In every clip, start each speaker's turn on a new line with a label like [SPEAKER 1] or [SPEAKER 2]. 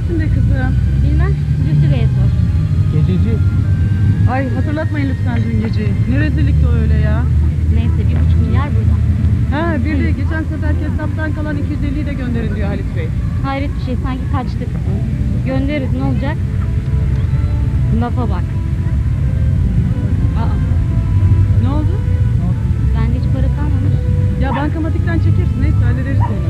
[SPEAKER 1] neresinde kızım?
[SPEAKER 2] Bilmem, Zühtü Bey'e sor.
[SPEAKER 3] Gececi.
[SPEAKER 1] Ay hatırlatmayın lütfen dün geceyi. Ne rezillikti öyle ya.
[SPEAKER 2] Neyse 1,5 milyar burada.
[SPEAKER 1] Ha bir de geçen seferki hesaptan kalan 250'yi de gönderin diyor Halit Bey.
[SPEAKER 2] Hayret bir şey, sanki kaçtık. Göndeririz, ne olacak? Lafa bak. Aa,
[SPEAKER 1] Ne oldu?
[SPEAKER 2] bende hiç para kalmamış.
[SPEAKER 1] Ya bankamatikten çekeriz, neyse hallederiz onu.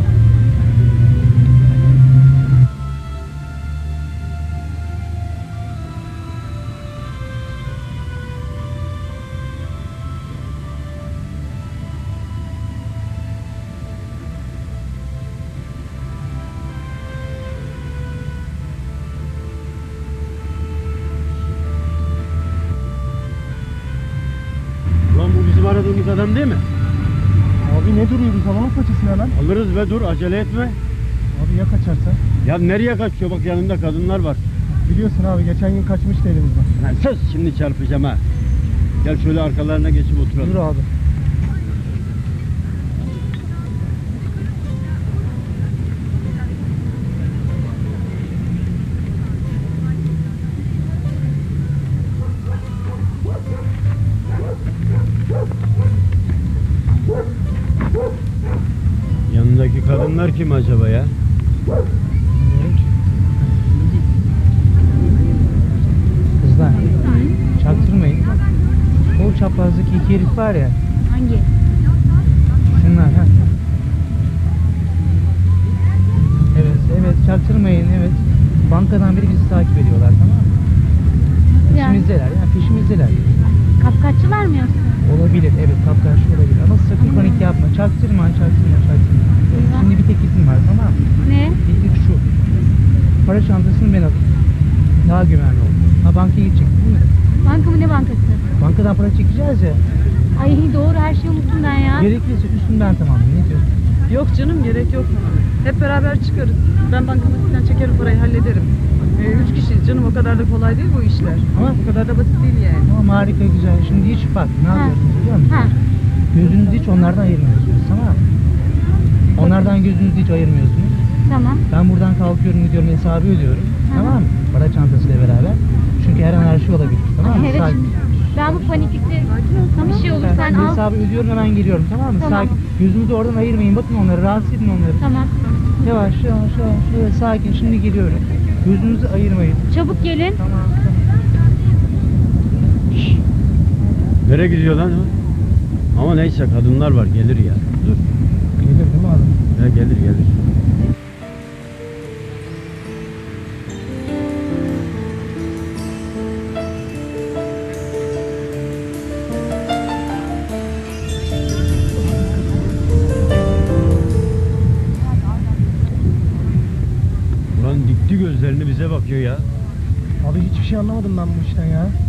[SPEAKER 3] Ulan bu bizim aradığımız adam değil mi?
[SPEAKER 4] Abi ne duruyoruz? Alalım paçasını hemen.
[SPEAKER 3] Alırız ve dur acele etme.
[SPEAKER 4] Abi ya kaçarsa?
[SPEAKER 3] Ya nereye kaçıyor, bak yanında kadınlar var.
[SPEAKER 4] Biliyorsun abi geçen gün kaçmıştı elimizden.
[SPEAKER 3] Lan sus, şimdi çarpacağım ha. Gel şöyle arkalarına geçip oturalım.
[SPEAKER 4] Dur abi.
[SPEAKER 3] Yanındaki kadınlar kim acaba ya?
[SPEAKER 4] Bilmiyorum ki. Kızlar çaktırmayın. O çaprazdaki iki herif var ya.
[SPEAKER 2] Hangi?
[SPEAKER 4] Şunlar ha. Evet çaktırmayın evet. Bankadan biri bizi takip ediyorlar, tamam mı?
[SPEAKER 2] Yani
[SPEAKER 4] Peşimizdeler yani peşimizdeler.
[SPEAKER 2] kapkaççılar mı yoksa?
[SPEAKER 4] Olabilir evet, kapkarşı olabilir ama sakın panik yapma. Çaktırma.
[SPEAKER 2] Eyvah.
[SPEAKER 4] Şimdi bir teklifim var, tamam mı?
[SPEAKER 2] Ne?
[SPEAKER 4] Teklif şu. Para çantasını ben alayım. Daha güvenli olur. Ha bankaya gidecek değil mi?
[SPEAKER 2] Banka mı, ne bankası?
[SPEAKER 4] Bankadan para çekeceğiz ya.
[SPEAKER 2] Ay doğru, her şeyi unuttum ben ya.
[SPEAKER 4] Gerekirse üstünden tamamlayın. Ne diyorsun?
[SPEAKER 1] Yok canım, gerek yok. Hep beraber çıkarız. Ben bankamatikten çekerim, parayı hallederim. 3 kişiyiz canım, o kadar da kolay değil bu işler. Ama bu kadar da basit değil yani.
[SPEAKER 4] Tamam harika güzel. Şimdi hiç bak ne
[SPEAKER 2] Ha.
[SPEAKER 4] yapıyorsunuz biliyor musun?
[SPEAKER 2] Ha.
[SPEAKER 4] Gözünüzü hiç onlardan ayırmıyorsunuz, tamam mı? Onlardan gözünüzü hiç ayırmıyorsunuz.
[SPEAKER 2] Tamam.
[SPEAKER 4] Ben buradan kalkıyorum gidiyorum, hesabı ödüyorum.
[SPEAKER 2] Hı.
[SPEAKER 4] Tamam mı? Para çantasıyla beraber. Çünkü her an her şey olabilir. Tamam mı?
[SPEAKER 2] Evet,
[SPEAKER 4] Sakin.
[SPEAKER 2] şimdi ben bu paniklikte bir şey olur sen
[SPEAKER 4] Ben
[SPEAKER 2] al.
[SPEAKER 4] hesabı ödüyorum, hemen geliyorum, tamam mı?
[SPEAKER 2] Tamam.
[SPEAKER 4] Sakin. Gözünüzü oradan ayırmayın. Bakın onları, rahatsız edin onları.
[SPEAKER 2] Tamam.
[SPEAKER 4] Yavaş şöyle sakin. Şimdi geliyorum. Gözünüzü ayırmayın.
[SPEAKER 2] Çabuk gelin.
[SPEAKER 4] Tamam.
[SPEAKER 3] Nereye gidiyor lan o? Ama neyse, kadınlar var, gelir ya. Dur.
[SPEAKER 4] Gelir değil mi adam?
[SPEAKER 3] Ya gelir. Ulan dikti gözlerini bize bakıyor ya.
[SPEAKER 4] Abi hiçbir şey anlamadım ben bu işten ya.